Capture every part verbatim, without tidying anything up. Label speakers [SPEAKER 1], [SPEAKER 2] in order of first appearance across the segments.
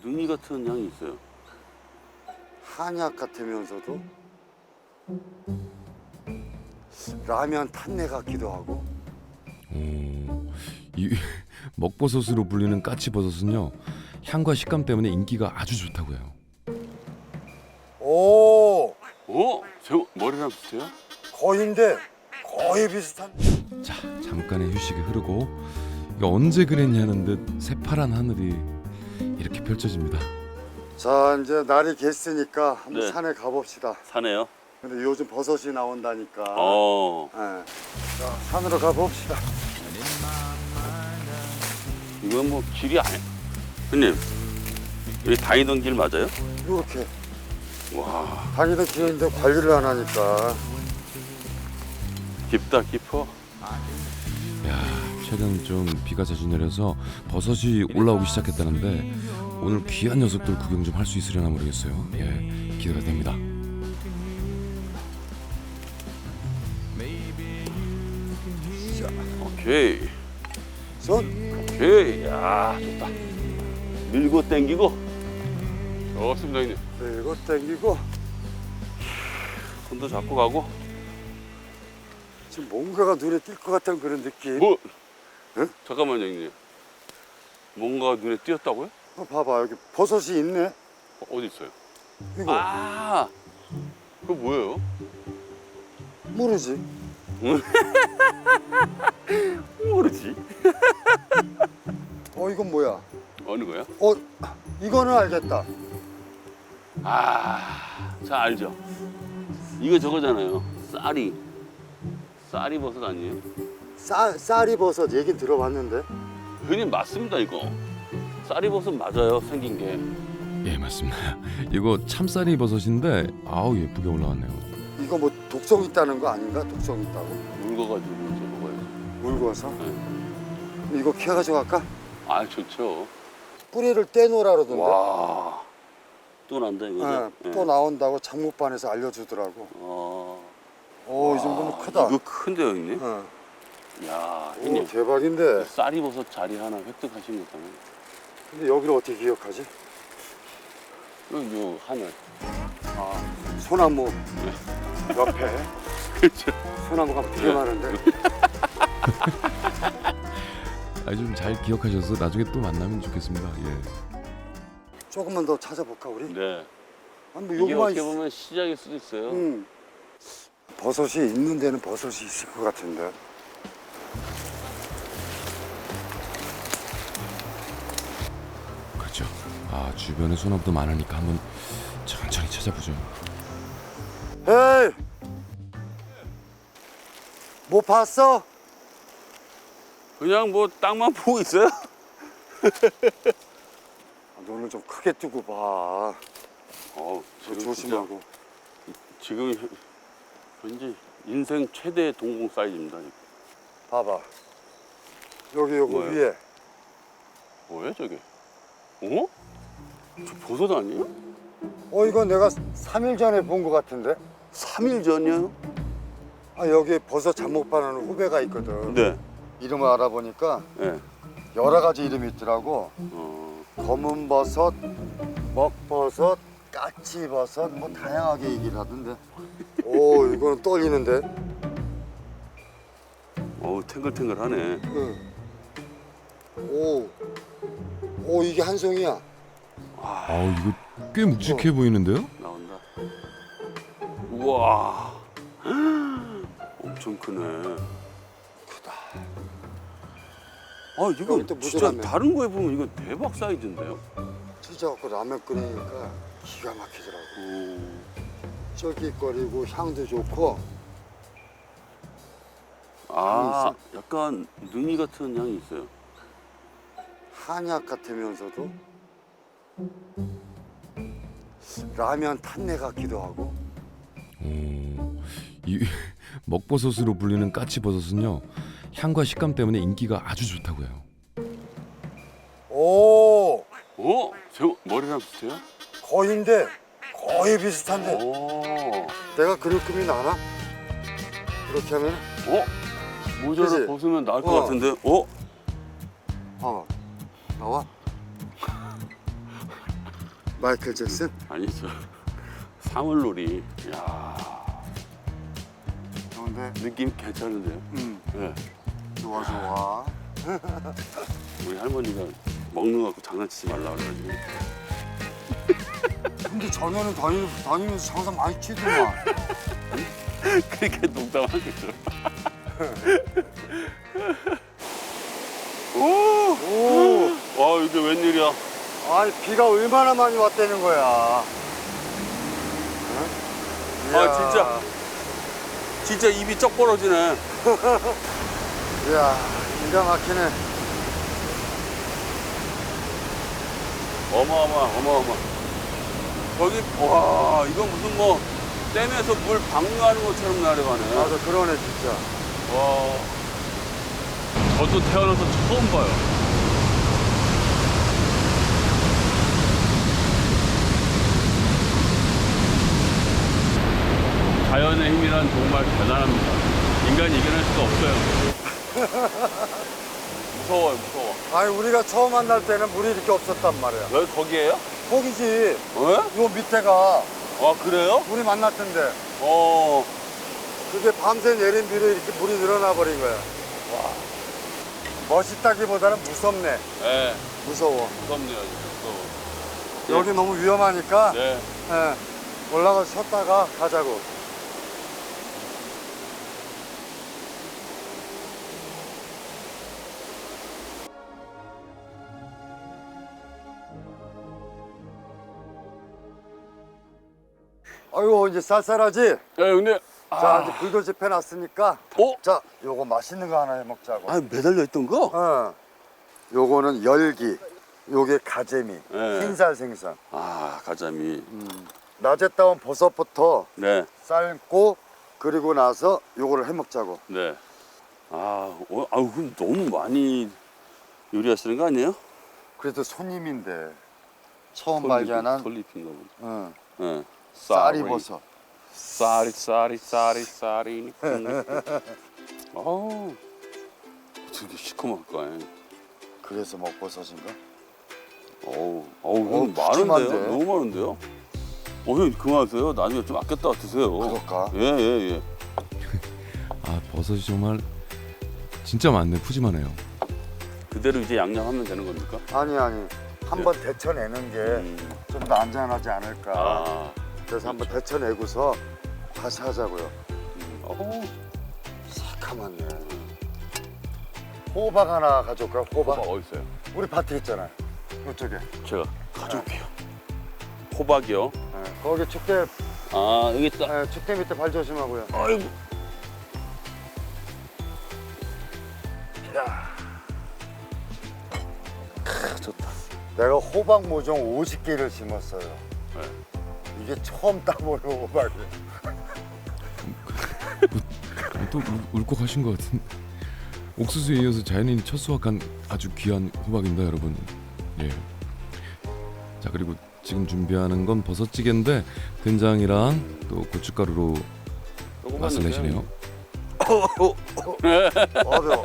[SPEAKER 1] 능이 같은 향이 있어요.
[SPEAKER 2] 한약 같으면서도 라면 탄내 같기도 하고.
[SPEAKER 3] 오, 이 먹버섯으로 불리는 까치버섯은요 향과 식감 때문에 인기가 아주 좋다고요.
[SPEAKER 2] 오,
[SPEAKER 1] 어? 제 머리랑 비슷해요?
[SPEAKER 2] 거인데 거의 비슷한.
[SPEAKER 3] 자, 잠깐의 휴식이 흐르고 이거 언제 그랬냐는 듯 새파란 하늘이 이렇게 펼쳐집니다.
[SPEAKER 2] 자, 이제 날이 갰으니까 한번
[SPEAKER 1] 네.
[SPEAKER 2] 산에 가봅시다.
[SPEAKER 1] 사네요.
[SPEAKER 2] 근데 요즘 버섯이 나온다니까.
[SPEAKER 1] 어.
[SPEAKER 2] 예. 자, 산으로 가봅시다.
[SPEAKER 1] 이건 뭐 길이 아니. 형님, 여기 다니던 길 맞아요?
[SPEAKER 2] 이렇게
[SPEAKER 1] 와,
[SPEAKER 2] 다니던 길인데 관리를 안 하니까.
[SPEAKER 1] 깊다 깊어.
[SPEAKER 3] 야, 최근 좀 비가 자주 내려서 버섯이 올라오기 시작했다는데 오늘 귀한 녀석들 구경 좀 할 수 있으려나 모르겠어요. 예, 기대가 됩니다.
[SPEAKER 1] 오케이,
[SPEAKER 2] 손
[SPEAKER 1] 오케이. 야, 좋다. 밀고 당기고. 좋습니다, 형님.
[SPEAKER 2] 들고 당기고.
[SPEAKER 1] 손도 잡고 가고.
[SPEAKER 2] 지금 뭔가가 눈에 띌 것 같은 그런 느낌.
[SPEAKER 1] 뭐?
[SPEAKER 2] 응?
[SPEAKER 1] 잠깐만요, 형님. 뭔가 눈에 띄었다고요?
[SPEAKER 2] 어, 봐봐, 여기 버섯이 있네.
[SPEAKER 1] 어, 어디 있어요?
[SPEAKER 2] 이거
[SPEAKER 1] 아, 그거 뭐예요?
[SPEAKER 2] 모르지.
[SPEAKER 1] 모르지.
[SPEAKER 2] 어, 이건 뭐야?
[SPEAKER 1] 어느 거야?
[SPEAKER 2] 어, 이거는 알겠다.
[SPEAKER 1] 아, 자 알죠. 이거 저거잖아요. 쌀이. 쌀이 버섯 아니에요?
[SPEAKER 2] 쌀, 쌀이 버섯 얘긴 들어봤는데.
[SPEAKER 1] 형님 맞습니다 이거. 쌀이 버섯 맞아요 생긴 게.
[SPEAKER 3] 예, 맞습니다. 이거 참쌀이 버섯인데 아우 예쁘게 올라왔네요.
[SPEAKER 2] 이거 뭐 독성 있다는 거 아닌가? 독성 있다고.
[SPEAKER 1] 묽어가지고 이제 먹어야지.
[SPEAKER 2] 물고서.
[SPEAKER 1] 네.
[SPEAKER 2] 이거 캐가지고 갈까?
[SPEAKER 1] 아 좋죠.
[SPEAKER 2] 뿌리를 떼놓으라 그러던데.
[SPEAKER 1] 와. 또 난다 이거죠?
[SPEAKER 2] 예, 또 나온다고 장목반에서 알려주더라고.
[SPEAKER 1] 어.
[SPEAKER 2] 오, 이 정도면 크다.
[SPEAKER 1] 이거 큰데요 형님?
[SPEAKER 2] 어.
[SPEAKER 1] 야
[SPEAKER 2] 오,
[SPEAKER 1] 형님.
[SPEAKER 2] 대박인데.
[SPEAKER 1] 쌀이 버섯 자리 하나 획득하신 거잖아요.
[SPEAKER 2] 근데 여기를 어떻게 기억하지?
[SPEAKER 1] 여기 요 하늘.
[SPEAKER 2] 아, 소나무 옆에.
[SPEAKER 1] 그렇죠.
[SPEAKER 2] 소나무가 되게
[SPEAKER 1] 네.
[SPEAKER 2] 많은데.
[SPEAKER 3] 아, 좀 잘 기억하셔서 나중에 또 만나면 좋겠습니다. 예.
[SPEAKER 2] 조금만 더 찾아볼까 우리?
[SPEAKER 1] 네.
[SPEAKER 2] 아, 뭐
[SPEAKER 1] 이게
[SPEAKER 2] 요거만
[SPEAKER 1] 어떻게
[SPEAKER 2] 있...
[SPEAKER 1] 보면 시작일 수도 있어요.
[SPEAKER 2] 음. 버섯이 있는 데는 버섯이 있을 것 같은데.
[SPEAKER 3] 그렇죠. 아, 주변에 소나무도 많으니까 한번 천천히 찾아보죠.
[SPEAKER 2] 에이! 뭐 봤어?
[SPEAKER 1] 그냥 뭐 땅만 보고 있어요?
[SPEAKER 2] 아, 눈을 좀 크게 뜨고 봐.
[SPEAKER 1] 어,
[SPEAKER 2] 저
[SPEAKER 1] 지금
[SPEAKER 2] 조심하고.
[SPEAKER 1] 진짜 지금 현- 현재 인생 최대 동공 사이즈입니다. 지금.
[SPEAKER 2] 봐봐. 여기 여기
[SPEAKER 1] 뭐예요?
[SPEAKER 2] 위에.
[SPEAKER 1] 뭐야 저게? 어? 저 버섯 아니에요?
[SPEAKER 2] 어, 이거 내가 삼 일 전에 본 것 같은데?
[SPEAKER 1] 삼 일 전이요?
[SPEAKER 2] 아, 여기 버섯 잡목반하는 후배가 있거든.
[SPEAKER 1] 네.
[SPEAKER 2] 이름을 알아보니까
[SPEAKER 1] 네.
[SPEAKER 2] 여러 가지 이름이 있더라고.
[SPEAKER 1] 어,
[SPEAKER 2] 검은 버섯, 먹버섯, 까치버섯 뭐 다양하게 얘기를 하던데. 오, 이거는 떨리는데.
[SPEAKER 1] 어우 탱글탱글하네.
[SPEAKER 2] 응. 오, 오, 이게 한 송이야.
[SPEAKER 3] 아, 이거 꽤 묵직해 보이는데요?
[SPEAKER 1] 나온다. 우와. 엄청 크네.
[SPEAKER 2] 크다.
[SPEAKER 1] 아 이거
[SPEAKER 2] 여기 또
[SPEAKER 1] 진짜
[SPEAKER 2] 무드라면.
[SPEAKER 1] 다른 거에 보면 이거 대박 사이즈인데요?
[SPEAKER 2] 찢어갖고 라면 끓이니까 기가 막히더라고.
[SPEAKER 1] 오.
[SPEAKER 2] 쫄깃거리고 향도 좋고.
[SPEAKER 1] 아, 약간 능이 같은 향이 있어요.
[SPEAKER 2] 한약 같으면서도 라면 탄내 같기도 하고.
[SPEAKER 3] 오, 이 먹버섯으로 불리는 까치버섯은요 향과 식감 때문에 인기가 아주 좋다고요.
[SPEAKER 2] 오,
[SPEAKER 1] 어? 제 머리랑 비슷해요?
[SPEAKER 2] 거인데 거의 비슷한데.
[SPEAKER 1] 오.
[SPEAKER 2] 내가 그럴급이 나나? 이렇게 하면.
[SPEAKER 1] 어? 모자를
[SPEAKER 2] 그치?
[SPEAKER 1] 벗으면 나을 것
[SPEAKER 2] 어.
[SPEAKER 1] 같은데? 어?
[SPEAKER 2] 어, 나와. 마이클 잭슨?
[SPEAKER 1] 아니죠. 사물놀이. 야
[SPEAKER 2] 좋은데?
[SPEAKER 1] 느낌 괜찮은데요?
[SPEAKER 2] 응.
[SPEAKER 1] 네.
[SPEAKER 2] 좋아 좋아.
[SPEAKER 1] 우리 할머니가 먹는 거 갖고 장난치지 말라 그래가지고.
[SPEAKER 2] 근데 전에는 다니, 다니면서 장사 많이 치더만.
[SPEAKER 1] 그렇게 농담하겠죠. 오!
[SPEAKER 2] 오.
[SPEAKER 1] 와 이게 웬일이야?
[SPEAKER 2] 아니 비가 얼마나 많이 왔다는 거야. 응?
[SPEAKER 1] 아 진짜 진짜 입이 쩍 벌어지네.
[SPEAKER 2] 이야 기가 막히네.
[SPEAKER 1] 어마어마 어마어마. 저기 와 이건 무슨 뭐 댐에서 물 방류하는 것처럼 내려가네.
[SPEAKER 2] 맞아 그러네 진짜.
[SPEAKER 1] 와. 저도 태어나서 처음 봐요. 자연의 힘이란 정말 대단합니다. 인간이 이겨낼 수가 없어요. 무서워요, 무서워.
[SPEAKER 2] 아니 우리가 처음 만날 때는 물이 이렇게 없었단 말이야.
[SPEAKER 1] 여기 거기에요?
[SPEAKER 2] 거기지.
[SPEAKER 1] 왜?
[SPEAKER 2] 요 밑에가
[SPEAKER 1] 아, 그래요?
[SPEAKER 2] 물이 만났던데.
[SPEAKER 1] 어.
[SPEAKER 2] 그게 밤새 내린 비로 이렇게 물이 늘어나 버린 거야.
[SPEAKER 1] 와.
[SPEAKER 2] 멋있다기보다는 무섭네.
[SPEAKER 1] 네,
[SPEAKER 2] 무서워.
[SPEAKER 1] 무섭네요, 무서워.
[SPEAKER 2] 여기 너무 위험하니까
[SPEAKER 1] 네.
[SPEAKER 2] 예, 올라가서 쉬었다가 가자고. 아이고 이제 쌀쌀하지?
[SPEAKER 1] 야, 근데.
[SPEAKER 2] 자 이제 불도 지펴놨으니까
[SPEAKER 1] 어?
[SPEAKER 2] 자 요거 맛있는 거 하나 해 먹자고.
[SPEAKER 1] 아, 매달려 있던 거?
[SPEAKER 2] 어. 요거는 열기, 요게 가재미,
[SPEAKER 1] 네.
[SPEAKER 2] 흰살 생선.
[SPEAKER 1] 아, 가자미.
[SPEAKER 2] 낮에 따온 버섯부터
[SPEAKER 1] 네,
[SPEAKER 2] 삶고 그리고 나서 요거를 해 먹자고.
[SPEAKER 1] 네. 아, 어, 아우, 그럼 너무 많이 요리하시는 거 아니에요?
[SPEAKER 2] 그래도 손님인데 처음
[SPEAKER 1] 솔잎이-
[SPEAKER 2] 발견한
[SPEAKER 1] 솔잎인가 보다.
[SPEAKER 2] 응.
[SPEAKER 1] 네.
[SPEAKER 2] 쌀이 버섯.
[SPEAKER 1] 쌀이, 쌀이, 쌀이, 쌀이. 아우, 어떻게 시커멓까?
[SPEAKER 2] 그래서 먹버섯인가?
[SPEAKER 1] 어우, 어우,
[SPEAKER 2] 어,
[SPEAKER 1] 형
[SPEAKER 2] 푸짐한데?
[SPEAKER 1] 많은데요? 너무 많은데요? 어, 형 그만하세요. 나중에 좀 아꼈다 드세요.
[SPEAKER 2] 그럴까?
[SPEAKER 1] 예, 예, 예.
[SPEAKER 3] 아 버섯이 정말 진짜 많네. 푸짐하네요.
[SPEAKER 1] 그대로 이제 양념하면 되는 겁니까?
[SPEAKER 2] 아니 아니 한번 데쳐내는 게 좀 더
[SPEAKER 1] 음.
[SPEAKER 2] 안전하지 않을까.
[SPEAKER 1] 아,
[SPEAKER 2] 그래서 한번 데쳐내고서 다시 하자고요.
[SPEAKER 1] 음. 어,
[SPEAKER 2] 새카맣네. 호박 하나 가져올까? 호박?
[SPEAKER 1] 호박 어디 있어요?
[SPEAKER 2] 우리 밭에 있잖아요. 이쪽에.
[SPEAKER 1] 제가 가져올게요. 호박이요?
[SPEAKER 2] 네, 거기 축대,
[SPEAKER 1] 아, 여기 있다.
[SPEAKER 2] 네, 축대 밑에 발 조심하고요.
[SPEAKER 1] 아이고.
[SPEAKER 2] 야,
[SPEAKER 1] 크, 좋다.
[SPEAKER 2] 내가 호박 모종 오십 개를 심었어요.
[SPEAKER 1] 네.
[SPEAKER 2] 이게 처음 따보는 호박이.
[SPEAKER 3] 또 울- 울컥하신 것 같은. 옥수수에 이어서 자연인이 첫 수확한 아주 귀한 호박입니다, 여러분. 예. 자 그리고 지금 준비하는 건 버섯찌개인데 된장이랑 또 고춧가루로
[SPEAKER 1] 조금만
[SPEAKER 3] 맛을
[SPEAKER 1] 넣으세요.
[SPEAKER 3] 내시네요.
[SPEAKER 2] 어, 매워.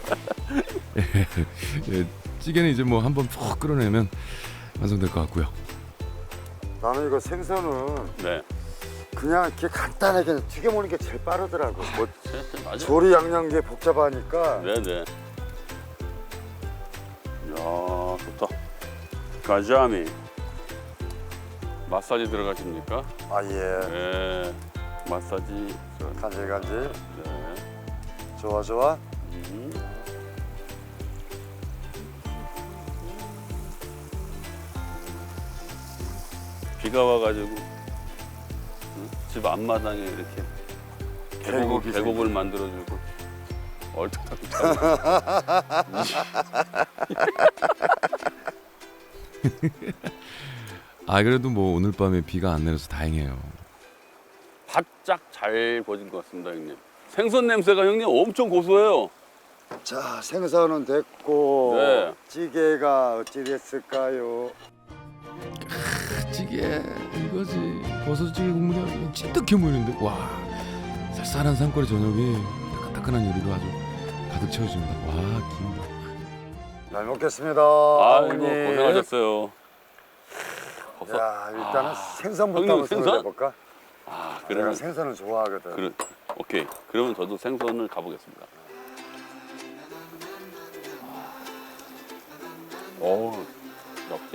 [SPEAKER 3] 예, 찌개는 이제 뭐 한번 푹 끓여내면 완성될 것 같고요.
[SPEAKER 2] 나는 이거 생선은
[SPEAKER 1] 네.
[SPEAKER 2] 그냥 이렇게 간단하게 그냥 튀겨 먹는 게 제일 빠르더라고. 뭐
[SPEAKER 1] 네, 네, 맞아요.
[SPEAKER 2] 조리 양념게 복잡하니까.
[SPEAKER 1] 네네. 이야, 좋다. 가자미. 마사지 들어가십니까?
[SPEAKER 2] 아 예.
[SPEAKER 1] 네. 마사지. 들어갑니다.
[SPEAKER 2] 간질간질.
[SPEAKER 1] 네.
[SPEAKER 2] 좋아 좋아.
[SPEAKER 1] 음. 비가 와가지고 응? 집 앞마당에 이렇게 계곡,
[SPEAKER 2] 계곡이
[SPEAKER 1] 계곡을 만들어주고 얼토당토.
[SPEAKER 3] 아 그래도 뭐 오늘 밤에 비가 안 내려서 다행이에요.
[SPEAKER 1] 바짝 잘 구워진 것 같습니다, 형님. 생선 냄새가 형님 엄청 고소해요.
[SPEAKER 2] 자 생선은 됐고
[SPEAKER 1] 네.
[SPEAKER 2] 찌개가 어찌 됐을까요?
[SPEAKER 3] 찌개 이거지. 버섯찌개 국물이 찐득해 보이는데 와 쌀쌀한 산골의 저녁이 따끈따끈한 요리로 아주 가득 채워집니다. 와 김.
[SPEAKER 2] 잘 먹겠습니다.
[SPEAKER 1] 아이고
[SPEAKER 2] 어머니.
[SPEAKER 1] 고생하셨어요. 버섯.
[SPEAKER 2] 야, 일단은
[SPEAKER 1] 아,
[SPEAKER 2] 생선부터
[SPEAKER 1] 형님,
[SPEAKER 2] 한번
[SPEAKER 1] 생선?
[SPEAKER 2] 생선? 해볼까?
[SPEAKER 1] 아,
[SPEAKER 2] 내가
[SPEAKER 1] 그러면
[SPEAKER 2] 생선을 좋아하거든.
[SPEAKER 1] 그래, 오케이. 그러면 저도 생선을 가보겠습니다. 오, 역시.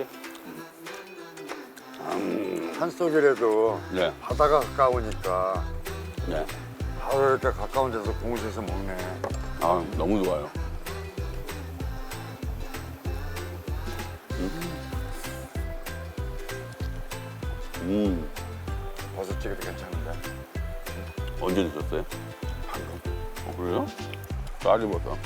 [SPEAKER 1] 음,
[SPEAKER 2] 산속이라도
[SPEAKER 1] 네,
[SPEAKER 2] 바다가 가까우니까
[SPEAKER 1] 네.
[SPEAKER 2] 바로 이렇게 가까운 데서 공수해서 먹네.
[SPEAKER 1] 아, 너무 좋아요. 음. 음,
[SPEAKER 2] 버섯찌개도 괜찮은데.
[SPEAKER 1] 언제 드셨어요?
[SPEAKER 2] 방금.
[SPEAKER 1] 어, 그래요? 쌀이 버섯.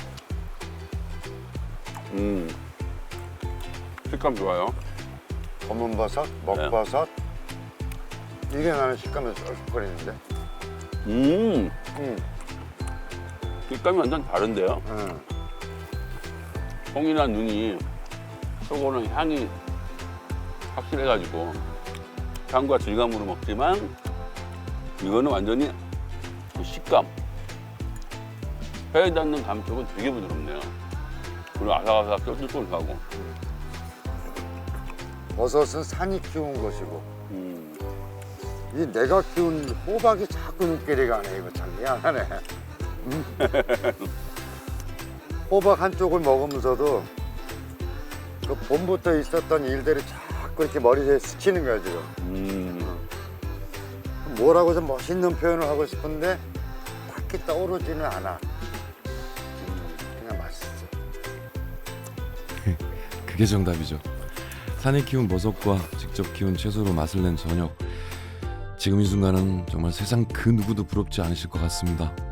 [SPEAKER 1] 음, 식감 좋아요.
[SPEAKER 2] 검은 버섯, 먹버섯.
[SPEAKER 1] 네.
[SPEAKER 2] 이게 나는 식감이 쏠쏠거리는데.
[SPEAKER 1] 음,
[SPEAKER 2] 응.
[SPEAKER 1] 식감이 완전 다른데요?
[SPEAKER 2] 응.
[SPEAKER 1] 송이나 눈이 요거는 향이 확실해가지고 향과 질감으로 먹지만 이거는 완전히 그 식감 혀에 닿는 감촉은 되게 부드럽네요. 그리고 아삭아삭 쫄깃쫄깃하고.
[SPEAKER 2] 버섯은 산이 키운 것이고
[SPEAKER 1] 음,
[SPEAKER 2] 이 내가 키운 호박이 자꾸 눈길이가 안 해. 이거 참 미안하네. 음. 호박 한쪽을 먹으면서도 그 봄부터 있었던 일들이 자꾸 이렇게 머리에 스치는 거야 지금.
[SPEAKER 1] 음,
[SPEAKER 2] 뭐라고 좀 멋있는 표현을 하고 싶은데 딱히 떠오르지는 않아. 그냥 맛있어.
[SPEAKER 3] 그게 정답이죠. 산에 키운 버섯과 직접 키운 채소로 맛을 낸 저녁. 지금 이 순간은 정말 세상 그 누구도 부럽지 않으실 것 같습니다.